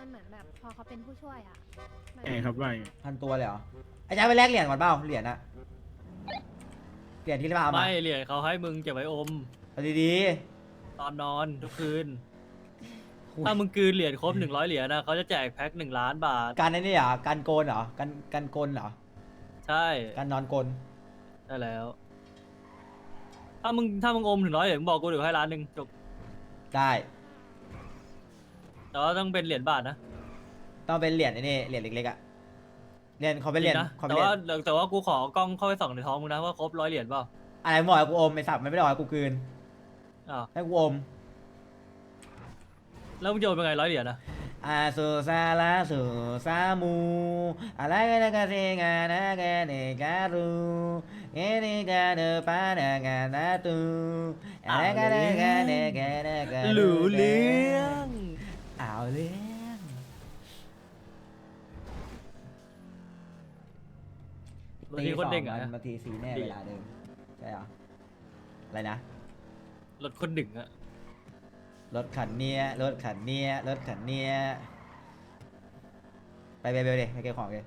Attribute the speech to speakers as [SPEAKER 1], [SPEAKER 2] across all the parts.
[SPEAKER 1] มันเหมือนแบบพอเขาเป็นผู้ช่วยอ่ะมัน
[SPEAKER 2] ไงครับว่าไง
[SPEAKER 3] 1,000 ตัวเลยเหรอไอ้แจ๊คไปแลกเหรียญก่อนเปล่าเหรียญอะเหรียญที่เราเอามา
[SPEAKER 4] ไม่เหรียญเขาให้มึงเก็บไว้อม
[SPEAKER 3] เอาดี
[SPEAKER 4] ตอนนอนทุกคืน
[SPEAKER 3] ๆ
[SPEAKER 4] ถ้ามึงกลืนเหรียญครบ100เหรียญนะเขาจะแจกแพ็ค1,000,000 บาท
[SPEAKER 3] การไอ้นี่เหรอการโกนเหรอการโกนเหรอ
[SPEAKER 4] ใช่
[SPEAKER 3] การนอนโกน
[SPEAKER 4] ได้แล้ว ถ้ามึงอม100เหรียญมึงบอกกูเดี๋ยวให้1,000,000จบ
[SPEAKER 3] ได้
[SPEAKER 4] แต่ว่าต้องเป็นเหรียญบาทนะ
[SPEAKER 3] ต้องเป็นเหรียญไอ้นี่เหรียญเล็กๆอะเหรียญเขาเป็นเหรียญ
[SPEAKER 4] จงนะ
[SPEAKER 3] เขาเป็
[SPEAKER 4] แต่
[SPEAKER 3] นเหรีย
[SPEAKER 4] ว่า
[SPEAKER 3] ญ
[SPEAKER 4] แต่ว่ากูขอกล้องเข้าไปส่องในท้องมึงนะว่าครบ100เหรียญเปล่า
[SPEAKER 3] อะไรมึงบอกให้กูอมไอ้สัตว์มันไม่ได้บอกให้กูกลืน
[SPEAKER 4] อ้าว
[SPEAKER 3] ให้กูอม
[SPEAKER 4] แล้วมึงจะโอนเป็นไง100เหรียญนะ
[SPEAKER 3] อาสุซาลาสุซามูอะไรกันกันสิงานะกันเนการูเอเนกาเดปานากันนาตูอะไรกันกันเนกันกัน
[SPEAKER 4] รู้เรื่อง
[SPEAKER 3] เอาเรื่อง
[SPEAKER 4] บางทีคนเด้งอ่ะ
[SPEAKER 3] บางทีสีแน่เวลาเดิมใช่เหรออะไรนะ
[SPEAKER 4] รถคนหนึ่งอ่ะ
[SPEAKER 3] รถขันเนี้ยรถขันเนี้ยรถขันเนี้ยไปเบลเลยไปเก็บของเลย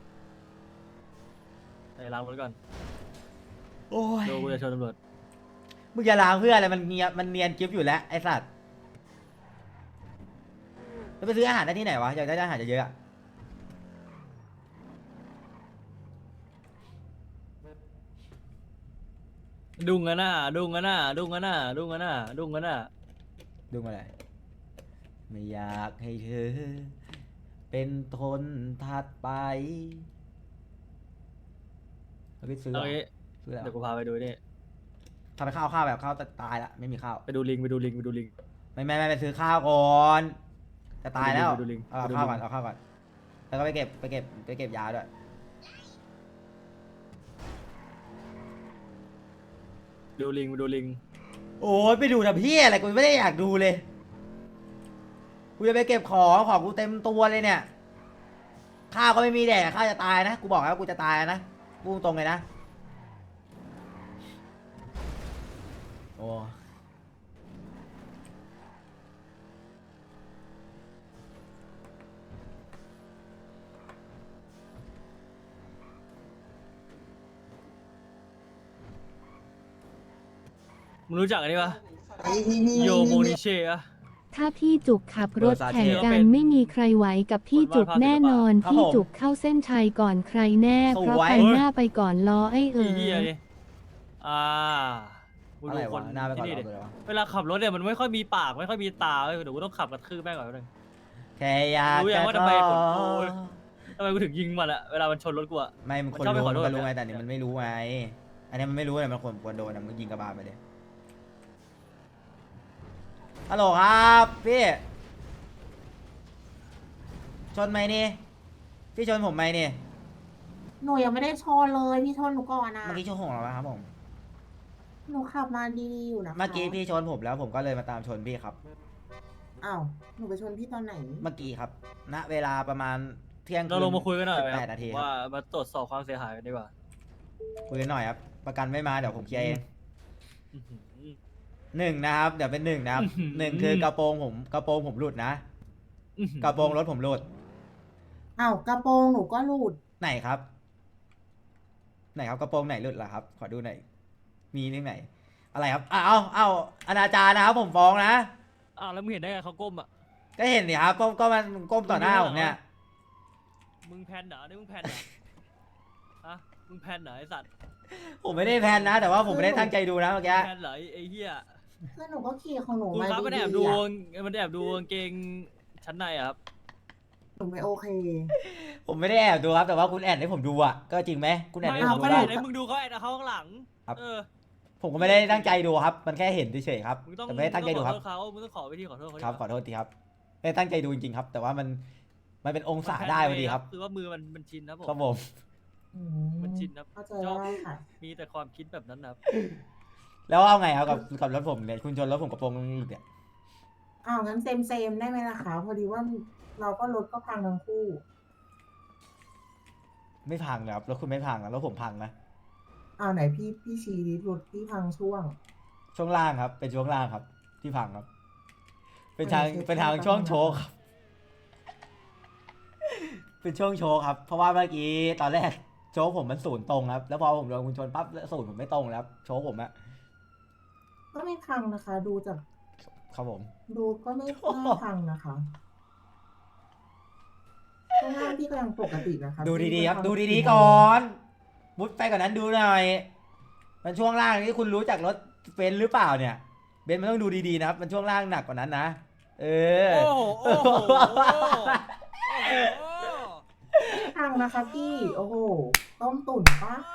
[SPEAKER 4] ไปล้างรถก่อน
[SPEAKER 3] โอ้ย
[SPEAKER 4] เดี๋ยวกูจะชนตำรวจ
[SPEAKER 3] มึงจะล้างเพื่ออะไรมันเนียนกิฟอยู่แล้วไอ้สัตว์แล้วไปซื้ออาหารได้ที่ไหนวะอยากได้อาหารเยอะๆอะ
[SPEAKER 4] ดุงกันน่ะดุงกันน่ะดุงกันน่ะดุงกันน่ะดุงกันน่ะ
[SPEAKER 3] ดูมาเลยไม่อยากให้เธอ เป็นทนถัดไปแล้วไปซื้อเหร
[SPEAKER 4] เอา
[SPEAKER 3] อ
[SPEAKER 4] งี้
[SPEAKER 3] ซื้อแล้ว
[SPEAKER 4] เดี๋ยวกูพาไปดูนี่
[SPEAKER 3] ทำไปข้าวแบบข้าวตายละไม่มีข้าว
[SPEAKER 4] ไปดูลิงไปดูลิงไปดูลิง
[SPEAKER 3] ไม่ไปซื้อข้าวก่อนจะตายแล้ว
[SPEAKER 4] ไปดูลิง
[SPEAKER 3] เอา
[SPEAKER 4] ไปดูลิง
[SPEAKER 3] ข้าวก่อนเอาข้าวก่อนแล้วก็ไปเก็บยาด้วย
[SPEAKER 4] ดูลิงไปดูลิง
[SPEAKER 3] โอ้ยไปดูนะพี่อะไรกูไม่ได้อยากดูเลยกูจะไปเก็บของกูเต็มตัวเลยเนี่ยข้าวก็ไม่มีแดกข้าวจะตายนะกูบอกแล้วกูจะตายนะพูดตรงเลยนะโอ้
[SPEAKER 4] มึงรู้จักอันนี้ปะโยโมนิเช่อะ
[SPEAKER 5] ถ้าพี่จุกขับรถแข่งกันไม่มีใครไหวกับพี่จุกแน่นอน พี่จุกเข้าเส้นชัยก่อนใครแน่ เพราะคันหน้าไปก่อนล้อไอ้
[SPEAKER 4] อีเหี้ยนี่มึง
[SPEAKER 3] อะไร
[SPEAKER 4] ดูค
[SPEAKER 3] วะ
[SPEAKER 4] น
[SPEAKER 3] หน้าไปก่อน
[SPEAKER 4] ที่นี่ดิ
[SPEAKER 3] เอาเลยวะ
[SPEAKER 4] เวลาขับรถเนี่ยมันไม่ค่อยมีปากไม่ค่อยมีตาเว้ยเดี๋ยวกูต้องขับกระทืบแม่งก่อนนึง
[SPEAKER 3] แค่อยาก
[SPEAKER 4] รู้ยั
[SPEAKER 3] จะ
[SPEAKER 4] งว่า
[SPEAKER 3] ข
[SPEAKER 4] ทำไม
[SPEAKER 3] อ
[SPEAKER 4] ผมโอ้ย ทำไมกูถึงยิงมันอะเวลามันชนรถกูอะ
[SPEAKER 3] ไม่มันคน
[SPEAKER 4] มันชอบไป
[SPEAKER 3] รู้
[SPEAKER 4] ขอโทษ
[SPEAKER 3] มันรู้ไง
[SPEAKER 4] เนี่ย
[SPEAKER 3] แต่นี่มันไม่รู้ไงอันนี้มันไม่รู้เลยมันควรโดนนะมึงยิงกระบาลไปเลยฮัลโหลครับพี่ชนไหมนี่พี่ชนผมไหมนี่
[SPEAKER 6] หนูยังไม่ได้ชนเลยพี่ชนหนูก่อนนะ
[SPEAKER 3] เมื่อกี้ชนของเราครับผม
[SPEAKER 6] หนูขับมาดีๆอยู่นะคะ
[SPEAKER 3] เมื่อกี้พี่ชนผมแล้วผมก็เลยมาตามชนพี่ครับ
[SPEAKER 6] อ้าวหนูไปชนพี่ตอนไหน
[SPEAKER 3] เมื่อกี้ครับณเวลาประมาณเที่ยง
[SPEAKER 4] เราลงมาคุยกันหน่อยไหมค
[SPEAKER 3] แป
[SPEAKER 4] รั
[SPEAKER 3] ดนาที
[SPEAKER 4] บ
[SPEAKER 3] ครับ
[SPEAKER 4] ว่ามาตรวจสอบความเสียหายกันดีกว่า
[SPEAKER 3] คุยกันหน่อยครับประกันไม่มาเดี๋ยวผมเคลียร์เอง
[SPEAKER 4] อื้อหือ
[SPEAKER 3] หนึ่งนะครับเดี๋ยวเป็นหนึ่งนะครับ
[SPEAKER 4] อื้อหือ
[SPEAKER 3] หนึ่งคือกระโปรงผมหลุดนะ
[SPEAKER 4] อื้อหือก
[SPEAKER 3] ระโปรงรถผมหลุด
[SPEAKER 6] อ้าวกระโปรงหนูก็หลุด
[SPEAKER 3] ไหนครับ ไหนครับกระโปรงไหนหลุดล่ะครับ ขอดูหน่อยมีที่ไหน อะไรครับเอาอนาจารนะครับผมฟ้องนะ
[SPEAKER 4] อ้าวแล้วมึงเห็นได้ไงเขาก้มอะ
[SPEAKER 3] ก็เห็นดิครับก็มันก้มต่อหน้าผมเนี่ย
[SPEAKER 4] มึงแพนเหรอนี่มึงแพนเหรอฮะมึงแพนเหรอไอสัตว์
[SPEAKER 3] ผมไม่ได้แพลนนะ แต่ว่าผมไม่ได้ตั้งใจดูนะเมื่อกี้
[SPEAKER 4] แพนเหรอไอ้เหี้ย
[SPEAKER 6] คือหนูก็ขี่ของหนู
[SPEAKER 4] คุณ
[SPEAKER 6] มา
[SPEAKER 4] ครับมันแอบ
[SPEAKER 6] ดี
[SPEAKER 4] ดู
[SPEAKER 6] ๆอะ
[SPEAKER 4] มันแอบดูกางเกงชั้นในอะครับ
[SPEAKER 6] หนูไม่โอเค
[SPEAKER 3] ผมไม่ได้แอบดูครับแต่ว่าคุณแอบให้ผมดูอ่ะก็จริงไหมคุณแอบ
[SPEAKER 4] ไม่
[SPEAKER 3] ให้ผ
[SPEAKER 4] เขา
[SPEAKER 3] มดู
[SPEAKER 4] ไม่ได้
[SPEAKER 3] ว่า
[SPEAKER 4] เห็นมึงดูเขาแอบเขาข้างหลัง
[SPEAKER 3] ครับ
[SPEAKER 4] เออ
[SPEAKER 3] ผมก็ไม่ได้ตั้งใจดูครับ มันแค่เห็นเฉยๆครับ
[SPEAKER 4] มึงต้อง
[SPEAKER 3] แต่ไม่ได้ตั้งใจดูครับ
[SPEAKER 4] ขอโทษเขามึงต้องขอวิธีขอโทษเขาดิ
[SPEAKER 3] ครับขอโทษทีครับไม่ได้ตั้งใจดูจริงๆครับ แต่ว่ามันเป็นองศาได้พอดีครับ
[SPEAKER 4] คือว่ามือมันชินครับผม
[SPEAKER 3] ครับผม
[SPEAKER 6] อื
[SPEAKER 4] มันชินครับ
[SPEAKER 6] เข้าใจ
[SPEAKER 4] ชอบ
[SPEAKER 6] ได้ค่ะ
[SPEAKER 4] มีแต่ความคิดแบบนั้นนะครับ
[SPEAKER 3] แล้วเอาไงครับกับรถผมเนี่ยคุณชนรถผมกระโปรงหลุดเนี่ย
[SPEAKER 6] อ้าวงั้นเซมได้ไหมล่ะคะพอดีว่าเราก็รถก็พังทั้งคู่
[SPEAKER 3] ไม่พังนะครับรถคุณไม่พังนะรถผมพังนะ
[SPEAKER 6] อ้าวไหนพี่ชี้ดิรถพี่พังช่วง
[SPEAKER 3] ช่วงล่างครับ เป็นช่วงล่างครับ ที่พังครับ เป็นทาง
[SPEAKER 6] ไม่ใช่
[SPEAKER 3] เป็นทาง
[SPEAKER 6] ช่วง
[SPEAKER 3] ช่วง
[SPEAKER 6] ล่าง
[SPEAKER 3] โชว์ครับเป็นช่วงโชว์ครับ เพราะว่าเมื่อกี้ตอนแรกโชว์ผมมันศูนย์ตรงครับ แล้วพอผมโดนคุณชนปั๊บศูนย์ผมไม่ตรงแล้วครับโชว์ผมอะ
[SPEAKER 6] ก็ไม่พังนะคะ ดูจาก
[SPEAKER 3] ครับผม
[SPEAKER 6] ดูก็ไม่น่าพังนะคะช่วงล่างพี่ก็ยังปกตินะคะ
[SPEAKER 3] ดูดีๆครับ
[SPEAKER 6] พี่
[SPEAKER 3] ดู
[SPEAKER 6] ไม่
[SPEAKER 3] ดี
[SPEAKER 6] ทำ
[SPEAKER 3] ๆก่อนมุดไปก่อนนั้นดูหน่อย มันช่วงล่างนี่คุณรู้จักรถเบนซ์หรือเปล่าเนี่ย เบนซ์มันต้องดูดีๆนะครับ มันช่วงล่างหนักกว่านั้นนะ เออ
[SPEAKER 4] โอ้โหโอ้โหโอ้โห
[SPEAKER 6] ไม่พังนะคะพี่ โอ้โห ต้มตุ๋นปะ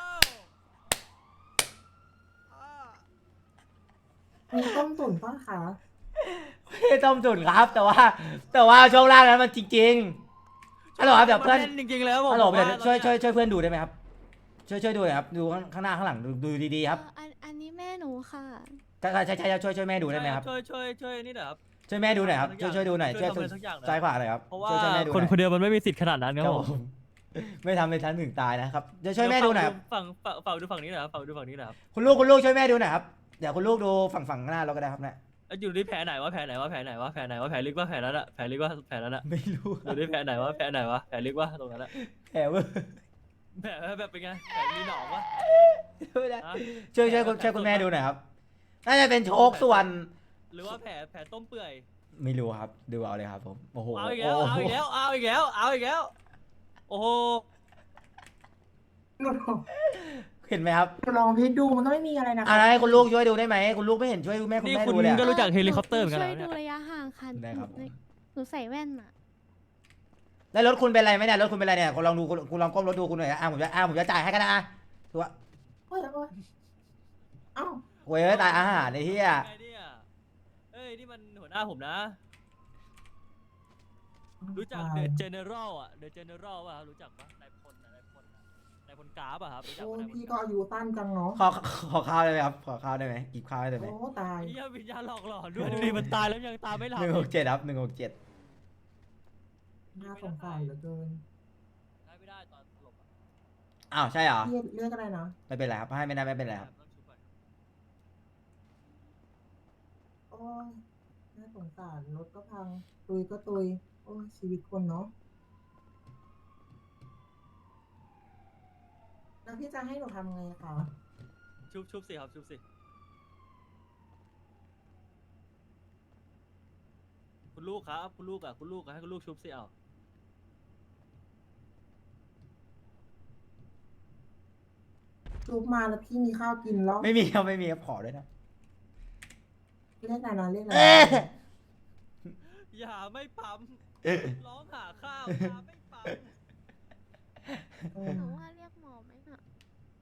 [SPEAKER 6] มีต้มตุ๋นปะคะ
[SPEAKER 3] ไม่ต้มจุนครับ แต่ว่าช่วงล่างนั้นมันจริงๆฮัลโหลครับเดี๋ยวเพื่อน
[SPEAKER 4] จริงๆแล้วผม
[SPEAKER 3] ฮัลโหลเดี๋ยว
[SPEAKER 4] ว่า
[SPEAKER 3] ช่วยเพื่อนดูได้ไหมครับ ช่วยดูหน่อยครับ ดูข้างหน้าข้างหลังดูดีๆครับ
[SPEAKER 1] อันนี้แม่หนูค่ะ
[SPEAKER 3] ใช่ช่วยแม่ดูได้ไหมครับ
[SPEAKER 4] ช่วยนี่หน่อยครับ
[SPEAKER 3] ช่วยแม่ดูหน่อยครับ ช่วยดูหน่อย
[SPEAKER 4] ช่วยทำอะไรสักอย่างหน่อย
[SPEAKER 3] ซ้ายขวาหน่อยครับ
[SPEAKER 4] เพราะว่า
[SPEAKER 3] ช่วยแม่ดูห
[SPEAKER 4] คน
[SPEAKER 3] น่อย
[SPEAKER 4] คนเดียวมันไม่มีสิทธิ์ขนาดนั้นค
[SPEAKER 3] ค
[SPEAKER 4] รั
[SPEAKER 3] รั
[SPEAKER 4] บบ ผ
[SPEAKER 3] ผม มไม่ทำเป็นชั้นถึงตายนะครับจะช่วยแม่ดูหน่อยครับ
[SPEAKER 4] ฝั่งดูฝั่งนี้หน่อยครับฝั่งดูฝั่งนี้หน่อยครับ
[SPEAKER 3] คุณลูกช่วยแม่ดูหน่อยครับเดี๋ยวคุณลูกดูฝั่งหน้าเราก็ได้ครับเนี่ย
[SPEAKER 4] อยู่ที่แผลไหนวะแผลไหนวะแผลไหนวะแผลไหนวะแผลลึกวะแผลนั้นอะแผลลึกวะแผลนั้นอะ
[SPEAKER 3] ไม่รู้
[SPEAKER 4] อยู่ที่แผลไหนวะแผลไหนวะแผลลึกวะตรงนั้นอะ
[SPEAKER 3] แอบเว้ย
[SPEAKER 4] แผลแบบเป็นไงแผลมีหนองวะ
[SPEAKER 3] ไม่ได้
[SPEAKER 4] ฮะ
[SPEAKER 3] ช่วยคุณแม่ดูหน่อยครับน่าจะเป็นโชคส่วน
[SPEAKER 4] หรือว่าแผลต้มเปื่อย
[SPEAKER 3] ไม่รู้ครับดูเอาเลยครับผมโอ้โห
[SPEAKER 4] เอาอีกแล้วเอาอีกแล้วเอาอีกแล้วเอาอีกแล้วโอ้โห
[SPEAKER 6] หนูลอง
[SPEAKER 3] เห็นไหมครับ
[SPEAKER 6] หนูลองพิจดูมันก็ไม่มีอะไรนะคะ
[SPEAKER 3] อะไรคุณลูกช่วยดูได้ไหมคุณลูกไม่เห็นช่วยแม่คุณ
[SPEAKER 4] นี่
[SPEAKER 3] แม่
[SPEAKER 4] คุณ
[SPEAKER 3] ดูเลยอะ
[SPEAKER 4] ก็รู้จักเฮลิคอปเตอร์เหมือนกัน
[SPEAKER 1] ช่
[SPEAKER 4] เหร
[SPEAKER 1] วย
[SPEAKER 4] อ
[SPEAKER 1] ดู
[SPEAKER 4] เนี่ย
[SPEAKER 1] ระยะห่างค่ะ
[SPEAKER 3] ได้ครับ
[SPEAKER 1] หนูใส่แว่นอะ
[SPEAKER 3] แล้วรถคุณเป็นไรไหมเนี่ยรถคุณเป็นไรเนี่ยคุณลองดูคุณลองก้มรถดูคุณหน่อยผมจะจ่ายให้กันนะถูกปะ
[SPEAKER 6] โอ้ยเอ้า
[SPEAKER 3] เว้ยตายอาหารไอ้เหี้ย
[SPEAKER 4] ไงเนี่ยเอ้ยนี่มันหัวหน้าผมนะ รู้จักเดอะเจเนอรัลอะเดอะเจเนอรัลป่ะครับรู้จักปะนายพลอะนายพลอะนายพลกราฟอะครับรู้จัก
[SPEAKER 6] โอ้
[SPEAKER 4] ปะนายพล
[SPEAKER 6] พี่
[SPEAKER 4] ก
[SPEAKER 6] ก็
[SPEAKER 4] ราฟ
[SPEAKER 6] อายุสั้นจังเนาะ
[SPEAKER 3] ขอข้าวได้ไหมครับขอข้าวได้ไหมกินข้าวได้ไหม
[SPEAKER 6] โอ้ตาย
[SPEAKER 4] เฮียวิญญาณหลอกหลอนด้วยดูดิมันตายแล้วยังตามไม่หลับ
[SPEAKER 3] 167ครับ167
[SPEAKER 6] น่าสงสารเหลือเกิน
[SPEAKER 4] ได้ไม่ได้ตอนสลบอะ
[SPEAKER 3] อ้าวใช่เหรอ
[SPEAKER 6] เรียกอะไรนะ
[SPEAKER 3] ไม่เป็นไรครับให้ไม่ได้ไม่เป็นไรครับ
[SPEAKER 4] ต้องชุบก่อน
[SPEAKER 6] โอ้ยน่าสงสารรถก็พังตุยก็ตุยโอ้ยชีวิตคนเนาะแล้วพี่จะให้หนูทำไงคะ
[SPEAKER 4] ชุบสิครับชุบสิคุณลูกครับคุณลูกอะให้คุณลูกชุบสิเอา
[SPEAKER 6] ลุกมาแล้วพี่มีข้าวกินแล้ว
[SPEAKER 3] ไม่มีครับขอด้วยนะ
[SPEAKER 6] เรียกอะไรนะเรียกอะไร
[SPEAKER 3] เอ๊ะ
[SPEAKER 6] นะ
[SPEAKER 4] อย่าไม่ปั๊มร้องหาข้าวอย่าไม่ปั๊ม
[SPEAKER 6] เออ
[SPEAKER 1] หนูว่าเรียกหมอไหมน่ะ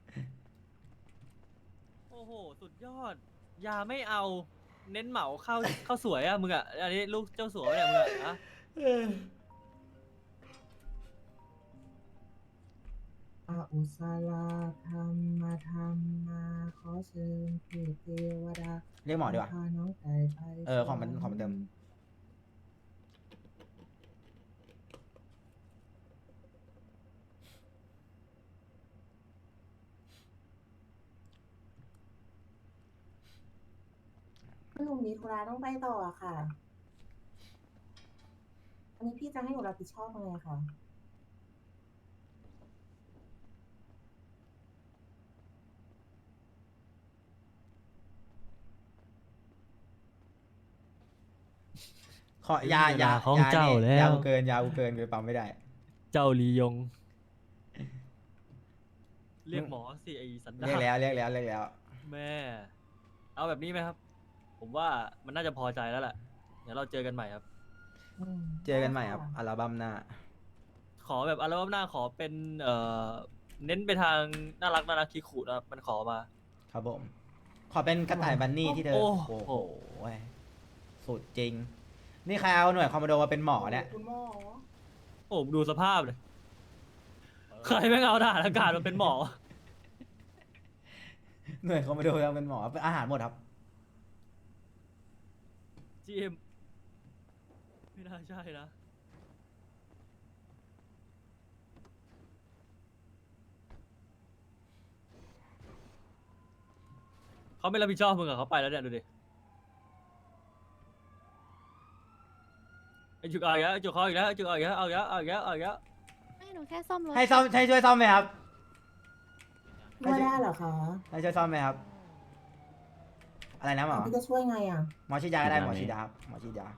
[SPEAKER 4] โอ้โหสุดยอดอย่าไม่เอาเน้นเหมาข้าวสวยอะมึงอะอันนี้ลูกเจ้าสัวเนี่ยมึงอะอะ
[SPEAKER 6] อาอุสาลาธรรมาขอเชิญเทพเทวดา
[SPEAKER 3] เรียกหมอดีกว่า
[SPEAKER 6] พาน้องไก่ไป
[SPEAKER 3] ของมันเต็ม
[SPEAKER 6] หนูมีธุระต้องไปต่ออะค่ะ อันนี้พี่จะให้หนูรับผิดชอบยังไงคะ
[SPEAKER 3] ขอยายา
[SPEAKER 4] ของ
[SPEAKER 3] ยา
[SPEAKER 4] เจ้า
[SPEAKER 3] นี่
[SPEAKER 4] แล้ว
[SPEAKER 3] ยากูเกินไปปั๊มไม่ได้
[SPEAKER 4] เจ้าลียง เรียกหมอสิไอสันดา
[SPEAKER 3] เรียก
[SPEAKER 4] น
[SPEAKER 3] แล้ว
[SPEAKER 4] แม่ เอาแบบนี้ไหมครับ ผมว่ามันน่าจะพอใจแล้วแหละเดี๋ยวเราเจอกันใหม่ครับ
[SPEAKER 3] เจอกันใหม่ครับอัลบั้มหน้า
[SPEAKER 4] ขอแบบอัลบั้มหน้าขอเป็นเน้นไปทางน่ารักคิคุนะครับมันขอมา
[SPEAKER 3] ครับผม ขอเป็นกระต่ายบันนี่ที่เธอ
[SPEAKER 4] โอ้
[SPEAKER 3] โอ้
[SPEAKER 4] โห
[SPEAKER 3] โหสุดจริง นี่ใครเอาหน่วยคอมมานโดมาเป็นหมอเนี่ย
[SPEAKER 6] คุณหมอ
[SPEAKER 4] โอ้ผมดูสภาพเลย ใครไม่งเอาทหารอากาศมาเป็นหมอ
[SPEAKER 3] หน่วยคอมมานโดมาเป็นหมอเป็นอาหารหมดครับ
[SPEAKER 4] GM ไม่น่าใช่นะ เขาไม่รับผิดชอบมึงอะเขาไปแล้วเนี่ยดูดิไอจุกเอาอีกแล้วไอจุกเขาอีกแล้วไอจุกเอาอีกแล้วเอาอีกแล้วเอาอีกแล้วเอาอีกแล้ว
[SPEAKER 1] ไม่หนูแค่ซ่อมรถ
[SPEAKER 3] ให้ซ่อมให้ช่วยซ่อมไหมครับ
[SPEAKER 6] ช่วยได้เหรอคะ
[SPEAKER 3] ให้ช่วยซ่อมไหมครับ อะไรนะหมอ
[SPEAKER 6] พี่จะช่วยไงอ่ะ
[SPEAKER 3] หมอฉีดยาก็ได้หมอฉีดยาครับหมอฉีดยา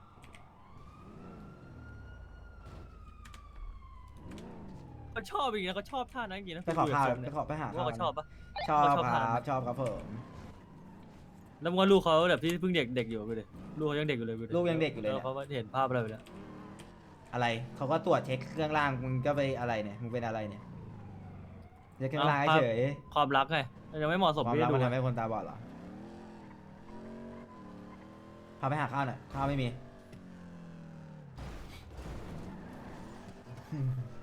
[SPEAKER 4] เขาชอบจริงนะเขาชอบท่านั้นจริงนะ
[SPEAKER 3] ไปขอข้าว
[SPEAKER 4] คุยกับ
[SPEAKER 3] ไป
[SPEAKER 4] เนี่ย
[SPEAKER 3] ขอไปหา
[SPEAKER 4] ว่า
[SPEAKER 3] ข้าว
[SPEAKER 4] เขาชอบปะ
[SPEAKER 3] ชอบ
[SPEAKER 4] เขาชอบ
[SPEAKER 3] ค
[SPEAKER 4] ทาน
[SPEAKER 3] รับชอบครับผม
[SPEAKER 4] แล้วมึงว่าลูกเขาแบบที่เพิ่งเด็กอยู่ไปเลยลูกเขายังเด็กอยู่เลยไป
[SPEAKER 3] ลูกยังเด็กอยู่เลย
[SPEAKER 4] แล้
[SPEAKER 3] เนี่
[SPEAKER 4] วย เขาเห็นภาพอะไรไปแล้ว
[SPEAKER 3] อะไรเขาก็ตรวจเช็คเครื่องล่างมึงก็ไปอะไรเนี่ยมึงเป็นอะไรเนี่ยเช็คเครื่องล่างเฉย
[SPEAKER 4] ความรักไงยังไม่เหมาะสม
[SPEAKER 3] ความ
[SPEAKER 4] ที่
[SPEAKER 3] รัก
[SPEAKER 4] จะดู
[SPEAKER 3] มันทำให้คนตาบอดเหรอพาไปหาข้าวหน่อยข้าวไม่มี